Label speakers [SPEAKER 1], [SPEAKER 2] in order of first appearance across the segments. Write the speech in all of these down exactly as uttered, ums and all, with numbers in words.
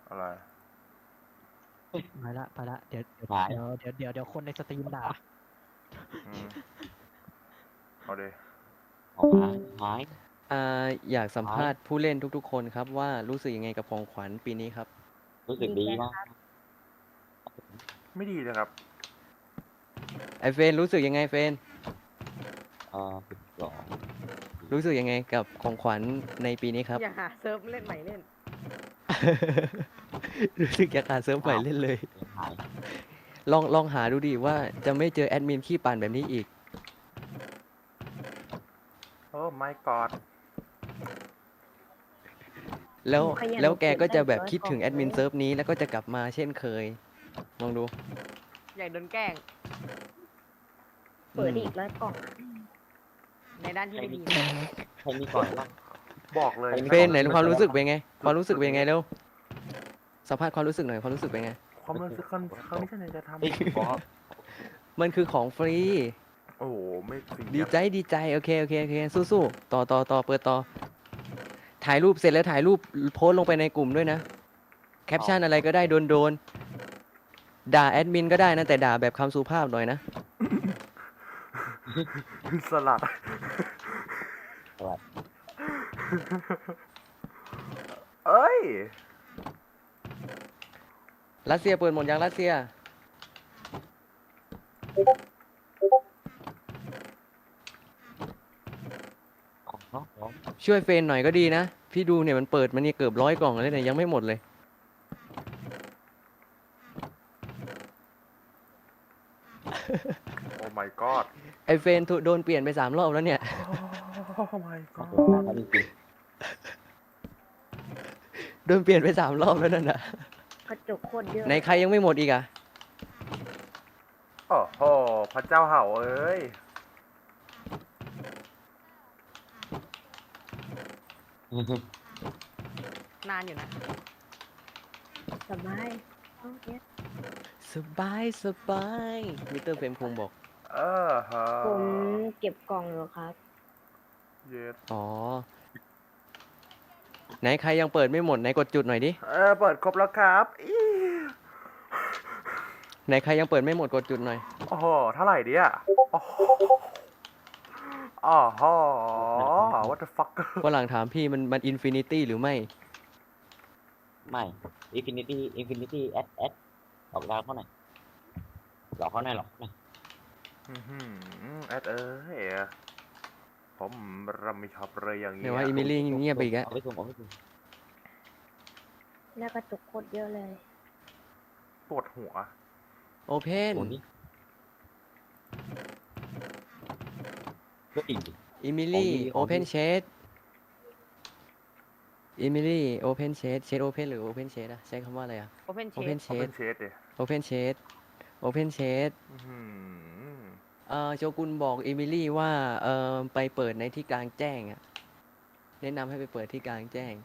[SPEAKER 1] อะไร
[SPEAKER 2] ไปละไปละเดี๋ยวเดี๋ยว
[SPEAKER 3] หาย
[SPEAKER 2] เดี๋ยวเดี๋ยวเดี๋ยวเดี๋ยวคนในสตรีมด่า
[SPEAKER 1] อืมเอาเด
[SPEAKER 3] ออกมาหาย
[SPEAKER 4] อ่าอยากสัมภาษณ์ผู้เล่นทุกๆคนครับว่ารู้สึกยังไงกับของขวัญปีนี้ครับ
[SPEAKER 3] รู้สึกดีมาก
[SPEAKER 1] ไม่ดีเลยครับ
[SPEAKER 4] ไอเฟนรู้สึกยังไงเฟน
[SPEAKER 3] เออสิบสอง
[SPEAKER 4] รู้สึกยังไงกับของขวัญในปีนี้ครับ
[SPEAKER 5] อย่าหาเซิร์ฟเล่นใหม่เล่น
[SPEAKER 4] รู้สึกอยากหาเซิร์ฟใหม่เล่นเลย
[SPEAKER 3] หาย
[SPEAKER 4] ลองลองหาดูดิว่าจะไม่เจอแอดมินขี้ปั่นแบบนี้อีก
[SPEAKER 1] โอ้ my god
[SPEAKER 4] แล้ว
[SPEAKER 6] ขยัน
[SPEAKER 4] แล้วแกก็จะแบบ
[SPEAKER 6] เก็บได้
[SPEAKER 4] คิดถึง
[SPEAKER 6] ร้
[SPEAKER 4] แอ
[SPEAKER 6] อย
[SPEAKER 4] ดมิน
[SPEAKER 6] กล่อง
[SPEAKER 4] เซิร์ฟนี้แล้วก็จะกลับมาเช่นเคย ลองดู
[SPEAKER 5] อยากโดนแกล้ง
[SPEAKER 6] เปิดอีกร้อยกล่อง
[SPEAKER 5] ในด้านที่ไม่ดี
[SPEAKER 3] ใครมีก่อนบ้าง
[SPEAKER 1] บอกเลย
[SPEAKER 4] เฟนไหนความรู้สึกเป็นไง ความรู้สึกเป็นไงเร็วสัมภาษณ์ความรู้สึกหน่อยความรู้สึกเป็นไง
[SPEAKER 1] ความรู้สึกครั้งครั้งนี้ฉันจะทำ
[SPEAKER 3] เอ้ยบอส
[SPEAKER 4] มันคือของฟรี
[SPEAKER 1] โอ้โหไม่ฟรี
[SPEAKER 4] ดีใจดีใจโอเคโอเคโอเคสู้ๆต่อต่อต่อเปิดต่อ ถ่ายรูปเสร็จแล้วถ่ายรูปโพสต์ลงไปในกลุ่มด้วยนะ แคปชั่นอะไรก็ได้โดนโดนๆด่าแอดมินก็ได้นะ แต่ด่าแบบคำสุภาพหน่อยนะ
[SPEAKER 1] สลัด
[SPEAKER 3] สวัสดี
[SPEAKER 1] เอ้ย
[SPEAKER 4] รัสเซียเปิดหมดยังรัสเซีย
[SPEAKER 3] ของเนาะของ
[SPEAKER 4] ช่วยเฟนหน่อยก็ดีนะ พี่ดูเนี่ยมันเปิดมันนี่เกือบร้อยกล่องแล้วเนี่ยยังไม่หมดเลย
[SPEAKER 1] โอ้ my god
[SPEAKER 4] ไอเฟนถูกโดนเปลี่ยนไปสามรอบแล้วเนี่ย
[SPEAKER 1] โอ้ my
[SPEAKER 3] ขอบ
[SPEAKER 1] god
[SPEAKER 3] คุณมากครับจริง
[SPEAKER 4] โดนเปลี่ยนไปสามรอบแล้วนั่นน่ะ
[SPEAKER 6] กระจกโคตรเยอะ
[SPEAKER 4] ไหนใครยังไม่หมดอีกอะ
[SPEAKER 1] โอ้โหพระเจ้าเห่าเอ้ย
[SPEAKER 3] ๆ
[SPEAKER 5] นานอยู่นะ
[SPEAKER 6] สบายเอาเนี้ย
[SPEAKER 4] สบายสบายมิสเตอร์เฟรมคงบอก
[SPEAKER 1] เออฮะ
[SPEAKER 6] ผมเก็บกล่องอยู่ครับ
[SPEAKER 1] เย็ด
[SPEAKER 4] อ๋อ ไหนใครยังเปิดไม่หมดไหนกดจุดหน่อยดิ
[SPEAKER 1] เออเปิดครบแล้วครับอี
[SPEAKER 4] ไหนใครยังเปิดไม่หมดกดจุดหน่อย
[SPEAKER 1] โอ้โหเท่าไหร่ดิอ่ะโอ้โหอ๋อฮะ what the fuck
[SPEAKER 4] ฝรั่งถามพี่มันมันอินฟินิตี้หรือไม่
[SPEAKER 3] ไม่อินฟินิตี้อินฟินิตี้แอดแอดหลอกดาวเขาหน่อยหลอกเขาหน่อยหรอกนะ
[SPEAKER 1] อื้อหือแอดเอ้ยผมรำไม่ชอบเลยอย่าง
[SPEAKER 4] เดี๋
[SPEAKER 1] เงี้
[SPEAKER 4] ยวย ว่าอิมิลี่เงียบไปอีกแล้ว
[SPEAKER 3] เอาไปส่งเอาไปส่ง
[SPEAKER 6] แล้วกระจกโคตรเยอะเลย
[SPEAKER 1] ปวดหัว
[SPEAKER 4] โอเพน
[SPEAKER 3] โอ้นี่ก็อีก
[SPEAKER 4] อิมิลี่
[SPEAKER 3] ของดี
[SPEAKER 4] โอเพนเชดอิมิลี่โอเพนเชดเชดโอเพนหรือโอเพนเชดอะใช้คำว่าอะไรอะ
[SPEAKER 5] Open
[SPEAKER 4] โอเพน
[SPEAKER 5] Chat
[SPEAKER 4] เช
[SPEAKER 1] เขาเป็
[SPEAKER 4] ด
[SPEAKER 1] นเชดดิ
[SPEAKER 4] โอเพนเชดโอเพนเชด
[SPEAKER 1] อื้อหือ
[SPEAKER 4] เอ่อโจกุนบอกอิมิลี่ว่าเอ่อไปเปิดในที่กลางแจ้งอะแนะนำให้ไปเปิดที่กลางแจ้ง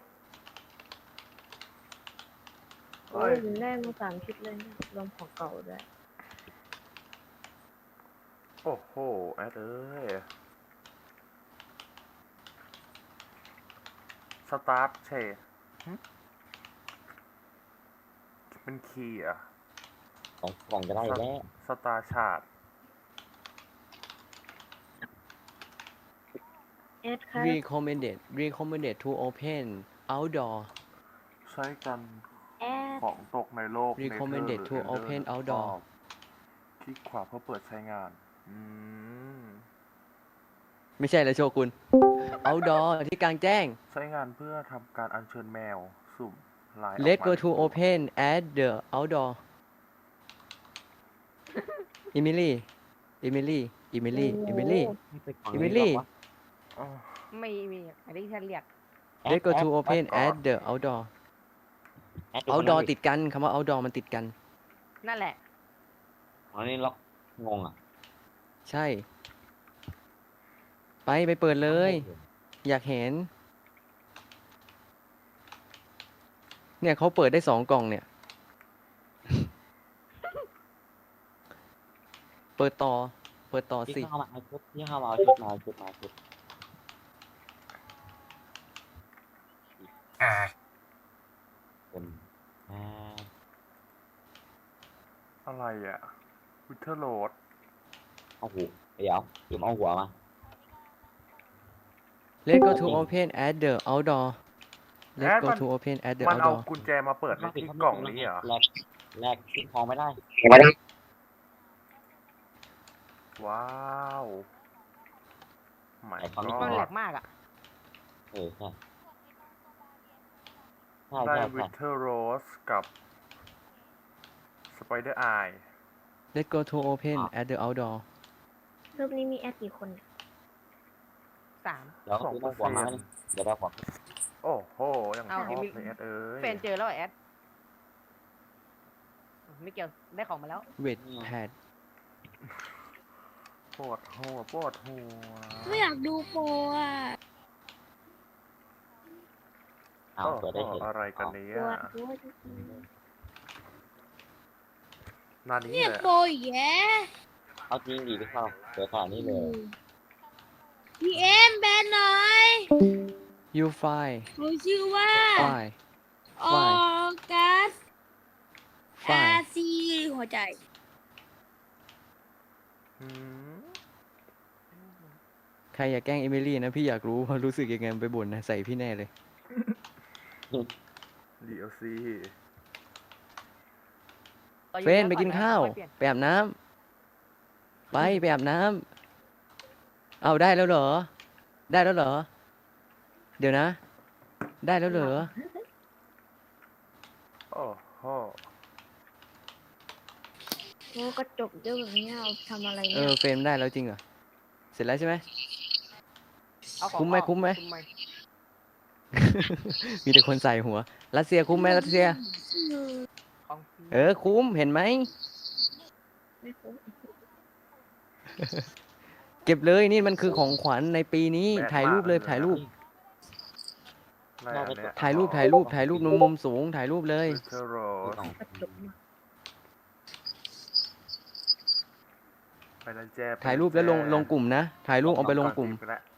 [SPEAKER 6] โอ้ยผมได้มาสามชุดเลยนะรวมของเก่าด้วย
[SPEAKER 1] โอ้โหแอดเอ้ยสตาร์ทเชดเป็นคีย์อะ
[SPEAKER 3] ของกล่องจะได้แล้ว
[SPEAKER 1] สตาร์ชาร์ด
[SPEAKER 6] แอดครับ
[SPEAKER 4] recommended recommended to open outdoor
[SPEAKER 1] ใช้กัน
[SPEAKER 6] แอด
[SPEAKER 1] ของตกในโลก
[SPEAKER 4] recommended to
[SPEAKER 1] Nether หรือ
[SPEAKER 4] open
[SPEAKER 1] Ender
[SPEAKER 4] outdoor
[SPEAKER 1] คลิกขวาเพื่อเปิดใช้งาน อืม
[SPEAKER 4] ไม่ใช่แล้วโชกุน outdoor ที่กลางแจ้ง
[SPEAKER 1] ใช้งานเพื่อทำการอัญเชิญแมว สุ่มลายออก
[SPEAKER 4] let's
[SPEAKER 1] มา
[SPEAKER 4] go
[SPEAKER 1] ใน
[SPEAKER 4] to
[SPEAKER 1] ตัว
[SPEAKER 4] open at the outdoor อิมิลี่อิมิลี่อิมิลี่อิมิลี่
[SPEAKER 3] นี่ไปกล่อง
[SPEAKER 4] อิมิลี่
[SPEAKER 3] นี้หรอวะ
[SPEAKER 1] อ๋อ
[SPEAKER 5] ไม่มีอันนี้ฉันเรียก
[SPEAKER 4] let's go to
[SPEAKER 3] แอด
[SPEAKER 4] open
[SPEAKER 3] แอด
[SPEAKER 4] at the outdoor
[SPEAKER 3] แอดดู
[SPEAKER 4] outdoor
[SPEAKER 3] คนนั้น
[SPEAKER 4] ติดกันคำว่า outdoor มันติดกัน
[SPEAKER 5] นั่นแหละ
[SPEAKER 3] อ๋อนี่ล็อกงงอ่ะ
[SPEAKER 4] ใช่ ไปไปเปิดเลย อยากเห็น เนี่ยเขาเปิดได้สองกล่องเนี่ย เปิดต่อ เปิดต่อ
[SPEAKER 3] ที่
[SPEAKER 4] สิ
[SPEAKER 3] เข้ามาเอาชุดที่เข้ามาเอาชุดมาเอาชุดมาเอาชุดเป็น
[SPEAKER 1] อะไรอะวิเทอร์โรด
[SPEAKER 3] เอาหูเดี๋ยวจุ่มเอาหัวมา
[SPEAKER 4] Let's go to open at the outdoor
[SPEAKER 1] แอ
[SPEAKER 4] Let's
[SPEAKER 1] ด
[SPEAKER 4] go
[SPEAKER 1] มัน
[SPEAKER 4] to open at the
[SPEAKER 1] มันเอา
[SPEAKER 4] outdoor
[SPEAKER 1] กุญแจมาเปิดในที่กล่องนี้เหรอ
[SPEAKER 3] แลกแลกทิ้งทองไม่ได้
[SPEAKER 1] ว้าวหมาย
[SPEAKER 3] ไอ้ความ
[SPEAKER 5] มันแหล
[SPEAKER 1] ก็
[SPEAKER 5] กมากอ่ะ
[SPEAKER 3] เออใช่ใช่
[SPEAKER 1] ได้
[SPEAKER 3] ใช่
[SPEAKER 1] วิ
[SPEAKER 3] ใช่
[SPEAKER 1] เทอร์โรสกับสไปเดอร์ไอ
[SPEAKER 4] Let's go to open at the outdoor
[SPEAKER 6] รูปนี้มีแอดกี่คนเนี่ย
[SPEAKER 5] สาม
[SPEAKER 3] เดี๋ยว
[SPEAKER 1] สอง
[SPEAKER 3] ทิ้ง
[SPEAKER 1] เปอร์
[SPEAKER 3] หัว
[SPEAKER 1] เซ็น
[SPEAKER 3] มา
[SPEAKER 1] ต์
[SPEAKER 3] เดี๋ยวเราขอ
[SPEAKER 1] โอ้โหยังช
[SPEAKER 5] เอา
[SPEAKER 1] อบ
[SPEAKER 5] เดี๋ยวมี
[SPEAKER 1] ในแอดเอ้ย
[SPEAKER 5] แฟนเจอแล้วเหรอแอดไม่เกี่ยวได้ของมาแล้ว
[SPEAKER 4] Wait pad
[SPEAKER 1] ปวดหัวปวดหัว
[SPEAKER 6] ไม่อยากดูโปรอ่ะ
[SPEAKER 3] เอา
[SPEAKER 1] โอ้
[SPEAKER 3] เปิดได้
[SPEAKER 1] โห
[SPEAKER 3] เห็น
[SPEAKER 1] อะไรกันเนี่
[SPEAKER 6] ป
[SPEAKER 1] ยว
[SPEAKER 6] ดหัวจริง
[SPEAKER 1] นานี้
[SPEAKER 6] เนี่ย
[SPEAKER 1] เลย
[SPEAKER 6] โปรอีกแย่
[SPEAKER 3] เอาจริงดีพี่เข้าเปิดขนาดนี้เลย
[SPEAKER 6] พีเอ็มแบนหน่อย
[SPEAKER 4] You fine
[SPEAKER 6] หนูชื่อว่า
[SPEAKER 4] fine
[SPEAKER 6] ออกัส อา
[SPEAKER 4] fine
[SPEAKER 6] ซีหัวใจ
[SPEAKER 1] อืม
[SPEAKER 4] ใครอยากแกล้งเอมิลี่นะพี่อยากรู้ว่ารู้สึกยังไงไปบ่นนะใส่พี่แน่เลย
[SPEAKER 1] ดีเอลซี
[SPEAKER 5] ต่ออยู่
[SPEAKER 4] เฟรน
[SPEAKER 5] แล้ว
[SPEAKER 4] ไปกิน
[SPEAKER 5] ต่อ
[SPEAKER 4] ข้าว
[SPEAKER 5] ค่อยเปลี่ยน
[SPEAKER 4] ไปอาบน้ำไปไปอาบน้ำเอาได้แล้วเหรอ ได้แล้วเหรอ เดี๋ยวนะ ได้แล้วเหรอ
[SPEAKER 1] โอ้โห
[SPEAKER 6] โอ้กระจกเยอะแบบนี้เอาทำอะไร
[SPEAKER 4] เอ
[SPEAKER 6] เนี่ย
[SPEAKER 4] อเฟรมได้แล้วจริงเหรอ เสร็จแล้วใช่ไหม
[SPEAKER 5] เอาของ
[SPEAKER 4] คุ้มไหม
[SPEAKER 5] ออก
[SPEAKER 4] คุ้มไหม
[SPEAKER 5] คุ้มไหม
[SPEAKER 4] มีแต่คนใส่หัว รัสเซียคุ้มไหมรัสเซีย
[SPEAKER 5] ของ
[SPEAKER 4] เออคุ้มเห็นไหม
[SPEAKER 6] ไม่คุ้ม
[SPEAKER 4] เก็บเลยนี่มันคือของขวัญในปีนี้ ถ่ายรูปเลยถ่ายรูป
[SPEAKER 1] อะไรอันเนี้ย
[SPEAKER 4] ถ่ายรูปถ่ายรูปถ่ายรูปมุมสูงถ่ายรูปเลย
[SPEAKER 1] วิเทอร์โรส
[SPEAKER 6] กระจกมาก
[SPEAKER 1] ไปแล้วแจ้ไป
[SPEAKER 4] ถ่ายรูปแล้วลง
[SPEAKER 1] จ้
[SPEAKER 4] ลงกลุ่มนะ ถ่ายรูปเอาไปลงกลุ่ม
[SPEAKER 1] ก่อนสิบแล้ว